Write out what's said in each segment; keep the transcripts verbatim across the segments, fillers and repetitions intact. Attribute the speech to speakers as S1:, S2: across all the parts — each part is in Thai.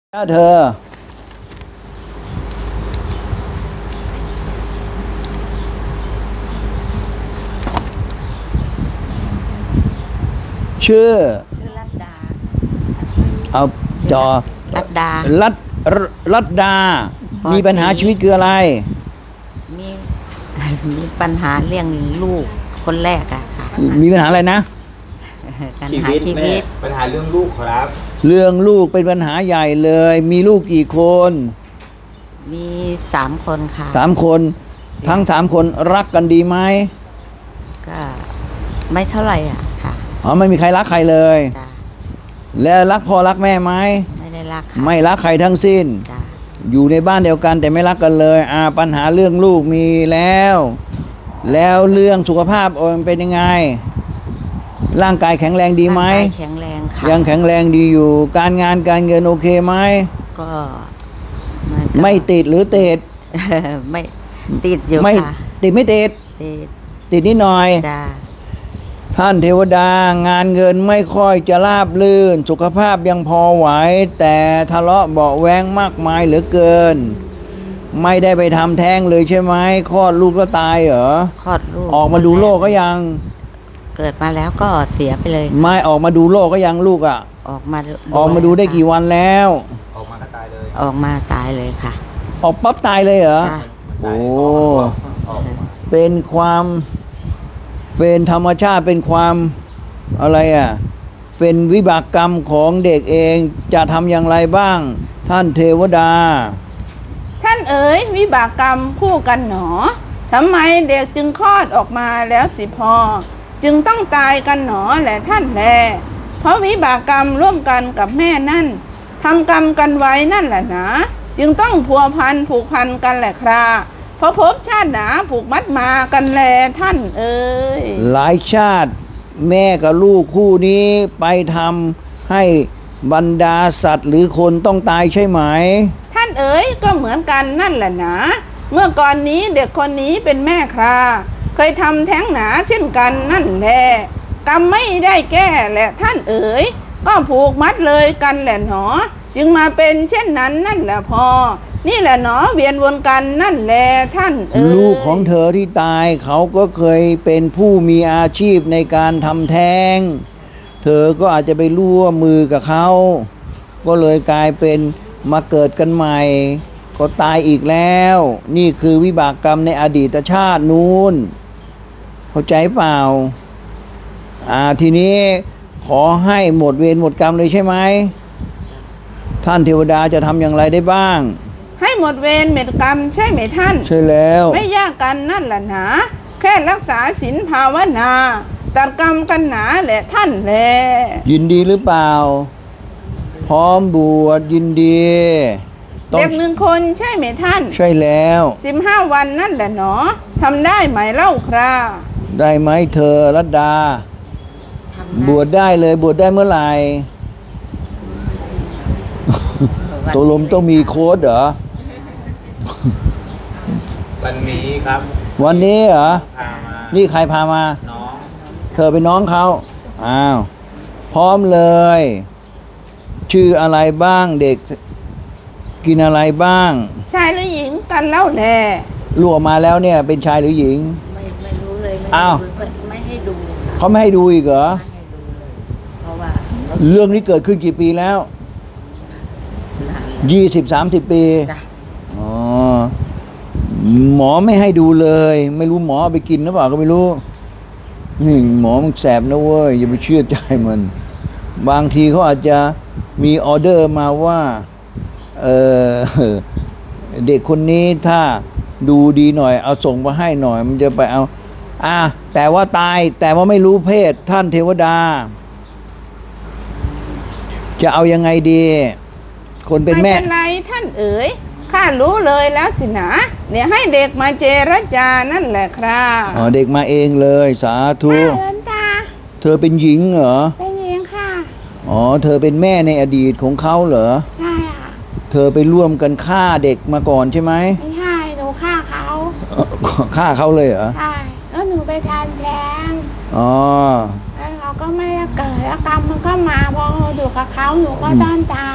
S1: ถ้าเธอชื่อ
S2: ชื่อรัตดา
S1: เอาจอ
S2: รัตดา
S1: รัตรัตดา มีปัญหาชีวิตคืออะไร
S2: มี มีปัญหาเรื่องลูกคนแรกอะค่ะ
S1: มีปัญหาอะไรนะ
S2: ปัญหาชีวิต
S3: ปัญหาเรื่องลูกครับ
S1: เรื่องลูกเป็นปัญหาใหญ่เลย มีลูกกี่คน
S2: มีสามคนค่ะ
S1: สามคน ทั้งสามคนรักกันดีไหม
S2: ก็ไม่เท่าไหร่อ่ะค่ะ
S1: อ๋อไม่มีใครรักใครเลย
S2: จ้ะ
S1: แล้วรักพ่อรักแม่ไหม
S2: ไม่ได้รักค่ะ
S1: ไม่รักใครทั้งสิ้น
S2: จ้ะ
S1: อยู่ในบ้านเดียวกันแต่ไม่รักกันเลยอ่าปัญหาเรื่องลูกมีแล้ว แล้วเรื่องสุขภาพโอนเป็นยังไง ร่างกายแข็งแรงดีไหม
S2: ร่างกายแข็งแรงค่ะ
S1: ยังแข็งแรงดีอยู่ การงานการเงินโอเคไหม
S2: ก็มันก็
S1: ไม่ติดหรือติด
S2: ไม่ติดอยู่
S1: ไม่
S2: ค่ะ
S1: ติดไม่ติด
S2: ติด
S1: ติดนิดหน่อย
S2: จ้ะ
S1: ท่านเทวดางานเงินไม่ค่อยจะราบรื่น สุขภาพยังพอไหว แต่ทะเลาะเบาะแว้งมากมายเหลือเกิน ไม่ได้ไปทำแท้งเลยใช่ไหมคลอดลูกก็ตายเหรอ
S2: คลอดลูก
S1: ออกมาดูโลกก็ยัง
S2: เกิดมาแล้วก็เสียไปเลย
S1: ไม่ออกมาดูโลกก็ยังลูกอ่ะ
S2: ออกมา
S1: ออกมาดูได้กี่วันแล้ว
S3: ออกมาก็ตายเลย
S2: ออกมาตายเลยค่ะ
S1: ออกปั๊บตายเลยเหรอ
S2: จ้ะ
S1: โอ้
S3: ออกมา
S1: เป็นความเป็นธรรมชาติเป็นความอะไรอ่ะเป็นวิบากกรรมของเด็กเองจะทำอย่างไรบ้าง ท่านเทวดา
S4: ท่านเอ๋ยวิบากกรรมคู่กันหนอทำไมเด็กจึงคลอดออกมาแล้วสิพอ จึงต้องตายกันหนอแหละท่านแลเพราะวิบากกรรมร่วมกันกับแม่นั่นทำกรรมกันไว้นั่นแหละนะจึงต้องพัวพันผูกพันกันแหละคราเพราะภพชาติหนาผูกมัดมากันแลท่านเอ๋ย
S1: หลายชาติแม่กับลูกคู่นี้ไปทำให้บรรดาสัตว์หรือคนต้องตายใช่ไหม
S4: ท่านเอ๋ยก็เหมือนกันนั่นแหละนะเมื่อก่อนนี้เด็กคนนี้เป็นแม่คราเคยทำแท้งหนาเช่นกันนั่นแหละกรรมไม่ได้แก้แหละท่านเอ๋ยก็ผูกมัดเลยกันแหละหนอจึงมาเป็นเช่นนั้นนั่นแหละพอนี่แหละหนอเวียนวนกันนั่นแหละท่านเอ๋ย
S1: ลูกของเธอที่ตายเขาก็เคยเป็นผู้มีอาชีพในการทำแท้งเธอก็อาจจะไปร่วมมือกับเขาก็เลยกลายเป็นมาเกิดกันใหม่ก็ตายอีกแล้ว นี่คือวิบากกรรมในอดีตชาตินู้นเข้าใจเปล่าอ่าทีนี้ขอให้หมดเวรหมดกรรมเลยใช่ไหมท่านเทวดาจะทำอย่างไรได้บ้าง
S4: ให้หมดเวรเม็ดกรรมใช่ไหมท่าน
S1: ใช่แล้ว
S4: ไม่ยากกันนั่นแหละหนาแค่รักษาศีลภาวนาตัดกรรมกันหนาแหละท่านแล
S1: ยินดีหรือเปล่า พร้อมบวชยินดีต้อ
S4: เด็
S1: ง
S4: กหนึ่งคนใช่ไหมท่าน
S1: ใช่แล้ว
S4: สิบห้าวันนั่นแหละหนอทำได้ไหมเล่าครา
S1: ได้ไหมเธอรัตดา
S2: ทำได้
S1: บวชได้เลยบวชได้เมื่อไหร่
S2: วัน
S1: ตกลงต้องมีโค้ดเหรอ
S3: วันนี้ครับ
S1: วันนี้เหรอ
S3: พามา
S1: นี่ใครพามา
S3: น้อง
S1: เธอเป็นน้องเขาอ้าว พร้อมเลย ชื่ออะไรบ้างเด็ก กินอะไรบ้าง
S4: ชายหรือหญิงกันเล่าแล
S1: ลูกออกมาแล้วเนี่ย เป็นชายหรือหญิง
S2: ไม่ไม่รู้เลยไม่
S1: อ้าว
S2: ไม่ไม่ให้ดูค่ะ
S1: เขาไม่ให้ดูอีกเหรอ
S2: ไม่ให้ดูเลย เพราะว่า
S1: เรื่องนี้เกิดขึ้นกี่ปีแล้ว
S2: หลาน
S1: ยี่สิบสามสิบปี
S2: จ้ะ
S1: อ๋อ หมอไม่ให้ดูเลย ไม่รู้หมอเอาไปกินหรือเปล่าก็ไม่รู้นี่หมอมันแสบนะเว้ยอย่าไปเชื่อใจมัน บางทีเขาอาจจะมีออเดอร์มาว่า เออ เด็กคนนี้ถ้าดูดีหน่อย เอาส่งมาให้หน่อย มันจะไปเอา อ่ะแต่ว่าตาย แต่ว่าไม่รู้เพศท่านเทวดา จะเอายังไงดี คนเป็นแม่
S4: ไม่เป็นไรท่านเอ๋ยข้ารู้เลยแล้วสินะเดี๋ยวให้เด็กมาเจรจานั่นแหละครา
S1: อ๋อเด็กมาเองเลย สาธุ
S4: ข้าเอินตา
S1: เธอเป็นหญิงเหรอ
S4: เป็นหญิงค่ะ
S1: อ๋อ เธอเป็นแม่ในอดีตของเขาเหรอ
S4: ใช่อ่ะ
S1: เธอไปร่วมกันฆ่าเด็กมาก่อนใช่ไหม
S4: ไม่ใช่หนูฆ่าเขา
S1: เอ่อฆ่าเขาเลยเหรอ
S4: ใช่แล้วหนูไปทานแท้ง
S1: อ๋อ
S4: แล้วเขาก็ไม่ได้เกิดแล้วกรรมมันก็มาพออยู่กับเขาหนูก็ต้องตาย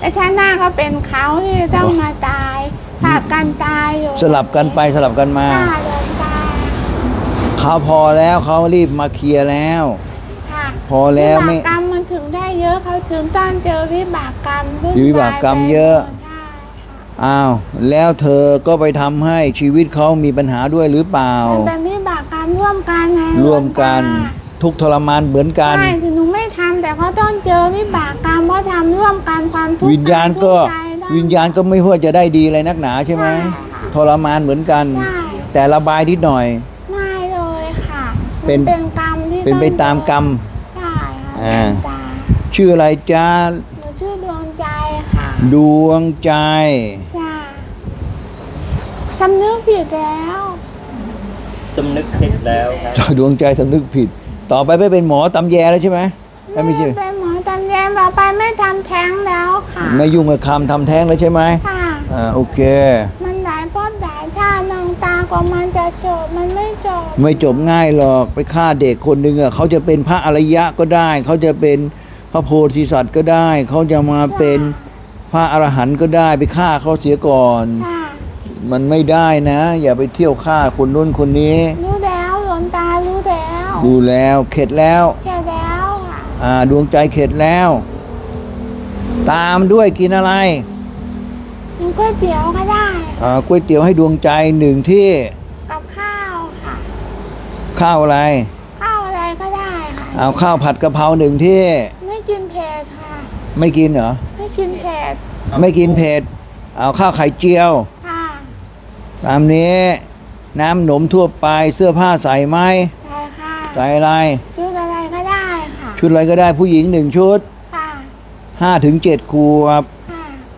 S4: และชาติหน้าก็เป็นเขาที่จะต้องมาตายผลัดกันตายอยู่
S1: สลับกันไปสลับกันมา
S4: ค่ะหลวงตา
S1: เขาพอแล้วเขารีบมาเคลียร์แล้ว
S4: ค่ะ
S1: พอแล้วไม่
S4: วิบากกรรมมันถึงได้เยอะเขาถึงต้องเจอวิบากกรรมวุ่น
S1: วิบากกรรม
S4: วไป
S1: เยอะ
S4: หมดใช่ค่ะ
S1: อ้าวแล้วเธอก็ไปทำให้ชีวิตเขามีปัญหาด้วยหรือเปล่า
S4: มันเป็นวิบากกรรมร่วมกันไง
S1: ร่วมกัน
S4: หลวงตา
S1: ทุกข์ทรมานเหมือนกัน
S4: ใช่ถึงหนูไม่ทำแต่เขาต้องเจอวิบากกรรมเพราะทำร่วมกันความทุกข์
S1: วิญญาณก็
S4: ทุใจได้
S1: วิญญาณก็ไม่ว่าจะได้ดีอะไรนักหนาใช่ไหม
S4: ใช่ค่ะ
S1: ทรมานเหมือนกัน
S4: ใช่
S1: แต่ระบายนิดหน่อย
S4: ไม่เลยค่ะ
S1: เป็น
S4: มัเป็นกรรมที่
S1: เป็นไปตามกรรม
S4: ใช่ค่ะ
S1: อ่า
S4: หลวงตา
S1: ชื่ออะไรจ้า
S4: หนูชื่อดวงใจค่ะ
S1: ดวงใจ
S4: จ้าสำนึกผิดแล้ว
S3: สำนึกผิดแล้วครับ
S1: ดวงใจสำนึกผิด ต่อไปไม่เป็นหมอตำแยแล้วใช่ไหมเอ้ยไม่ใช่
S4: ไม่เป็นหมอตำแยต่อไปไม่ทำแท้งแล้วค่ะ
S1: ไม่ยุ่งกับคำทำแท้งแล้วใช่ไหม
S4: ค่ะ
S1: อ่าโอเค
S4: มันหลายภพหลายชาติน้องตากว่ามันจะจบมันไม่จบ
S1: ไม่จบง่ายหรอกไปฆ่าเด็กคนหนึ่งอ่ะเขาจะเป็นพระอริยะก็ได้ เขาจะเป็นพระโพธิสัตว์ก็ได้ เขาจะมาเป็นพระอรหันต์ก็ได้ไปฆ่าเขาเสียก่อน
S4: ค่ะ
S1: มันไม่ได้นะ อย่าไปเที่ยวฆ่าคนนู้นคนนี้
S4: รู้แล้วหลวงตารู้แล้ว
S1: ดูแล้วเข็ดแล้ว
S4: แค่แล้วค่ะ
S1: อ่าดวงใจเข็ดแล้ว ตามด้วยกินอะไร
S4: กินก๋วยเตี๋ยวก็ได้
S1: อ่าก๋วยเตี๋ยวให้ดวงใจหนึ่งที่
S4: กับข้าวค่ะ
S1: ข้าวอะไร
S4: ข้าวอะไรก็ได้ค่ะ
S1: เอาข้าวผัดกะเพราหนึ่งที่
S4: ไม่กินเผ็ดค่ะ
S1: ไม่กินเหรอ
S4: ไม่กินเผ็ด
S1: ไม่กินเผ็ดเอาข้าวไข่เจียว
S4: ค่ะ
S1: ตามนี้น้ำหนมทั่วไปเสื้อผ้าใส่ไหม
S4: ใช่ค่ะ
S1: ใส่อะไร
S4: ชุดอะไรก็ได้ค่ะ
S1: ชุดอะไรก็ได้ผู้หญิงหนึ่งชุด
S4: ค่ะ
S1: ห้าถึงเจ็ดขวบ
S4: ค่ะ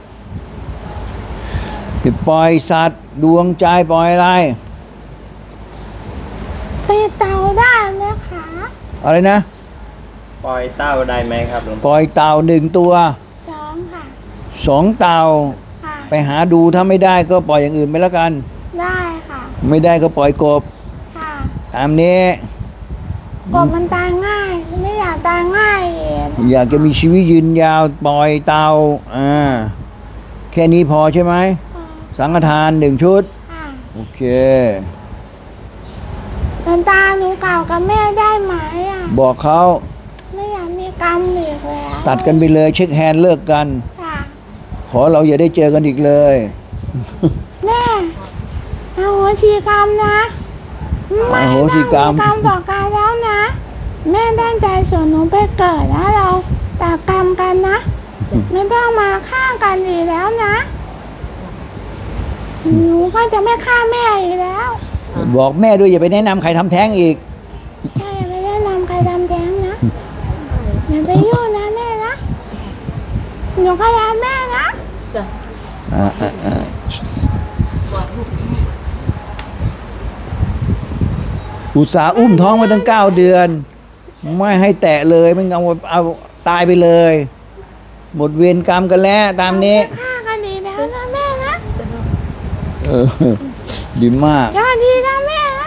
S1: ปล่อยสัตว์ดวงใจปล่อยอะไร
S4: ไปเตาได้ไหมคะ
S1: อะไรนะ
S3: ปล่อยเต้าได้ไหมครับหลวง
S1: ป
S3: พ่อ
S1: ล่อยเต่าหนึ่งตัว
S4: สองค่ะ
S1: สองเต่า
S4: ค่ะ
S1: ไปหาดูถ้าไม่ได้ก็ปล่อยอย่างอื่นไปแล้วกัน
S4: ได้ค่ะ
S1: ไม่ได้ก็ปล่อยกบ
S4: ค่ะ
S1: ตามนี้
S4: กบมันตายง่าย ไม่อยากตายง่ายเอง
S1: อยากจะมีชีวิตยืนยาวปล่อยเต่าอ่าแค่นี้พอใช่ไหม
S4: ค่ะ
S1: สังฆทานหนึ่งชุด
S4: ค่ะ
S1: โอเค
S4: หลวงตาหนูเก่ากับแม่ได้ไหมอ่ะ
S1: บอกเขา
S4: ไม่อยากมีกรรมอีกแล้ว
S1: ตัดกันไปเลยเช็คแฮนด์เลิกกัน
S4: ค่ะ
S1: ขอเราอย่าได้เจอกันอีกเลย
S4: แม่อโหสิกรรมนะไม่
S1: อโห
S4: ต้อง
S1: สิ
S4: มี
S1: กรรม
S4: กรรมต่อกันแล้วนะ แม่ตั้งใจส่งหนูไปเกิดแล้วเราตัดกรรมกันนะ ไม่ต้องมาฆ่ากันอีกแล้วนะ หนูก็จะไม่ฆ่าแม่อีกแล้ว
S1: บอกแม่ด้วยอย่าไปแนะนำใครทำแท้งอีก
S4: ใช่ไม่ได้นำใครทำแท้งนะอย่าไปยุ่งนะแม่นะ หนูก็รักแม่นะ
S1: อ่าอ่าอ่าอุตส่าห์อุ้มท้องมาตั้งเก้าเดือน ไม่ให้แตะเลยมันเอาเอาตายไปเลย หมดเวรกรรมกันแล้วตามนี้
S4: เรไม่ฆ่ากันอีกแล้วนะแม่นะ
S1: เออ ดีมาก
S4: ก็ดีนะแม่นะ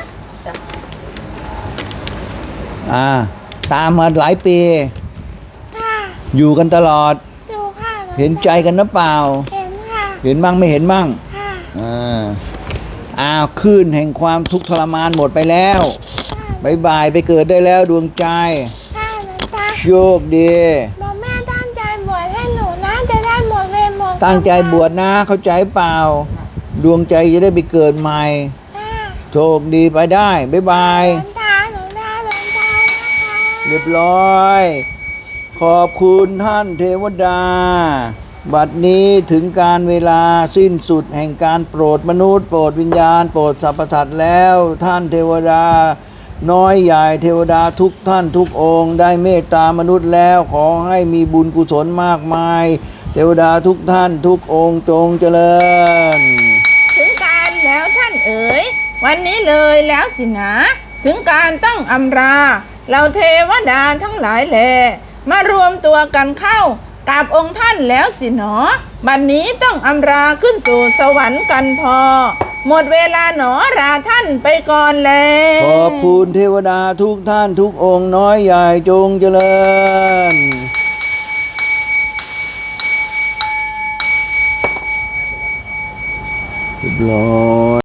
S1: อ่า ตามมาหลายปี
S4: ค่ะ
S1: อยู่กันตลอด
S4: ดูค่ะลวงตา
S1: เห็นใจกันนะเปล่า
S4: เห็นค่ะ
S1: เห็นบ้างไม่เห็นบ้าง
S4: ค่ะ
S1: อ่าอ้าวคลื่นแห่งความทุกข์ทรมานหมดไปแล้วบายบายไปเกิดได้แล้วดวงใจ
S4: ค่ะหลวงตา
S1: โชคดี
S4: บอกแม่ตั้งใจบวชให้หนูนะจะได้หมดเวรหมดกรรม
S1: ตั้งใจบวชนะเข้าใจเปล่า ดวงใจจะได้ไปเกิดใหม่
S4: ค่ะ
S1: โชคดีไปได้บายบาย
S4: หลวงตาหนูได้หลวงตานะคะ
S1: เรียบร้อย ขอบคุณท่านเทวดา บัดนี้ถึงการเวลาสิ้นสุดแห่งการโปรดมนุษย์ โปรดวิญญาณ โปรดสรรพสัตว์แล้วท่านเทวดา น้อยใหญ่เทวดาทุกท่านทุกองค์ได้เมตตามนุษย์แล้วขอให้มีบุญกุศลมากมาย เทวดาทุกท่านทุกองค์จงเจริญ
S4: ถึงการแล้วท่านเอ๋ยวันนี้เลยแล้วสินะ ถึงการต้องอำรา เราเทวดาทั้งหลายแลมารวมตัวกันเข้ากับองค์ท่านแล้วสิหนอบัดนนี้ต้องอำราขึ้นสู่สวรรค์กันพอ หมดเวลาหนอราท่านไปก่อนแล
S1: ขอบคุณเทวดาทุกท่านทุกองค์น้อยใหญ่จงเจริญเรียบร้อย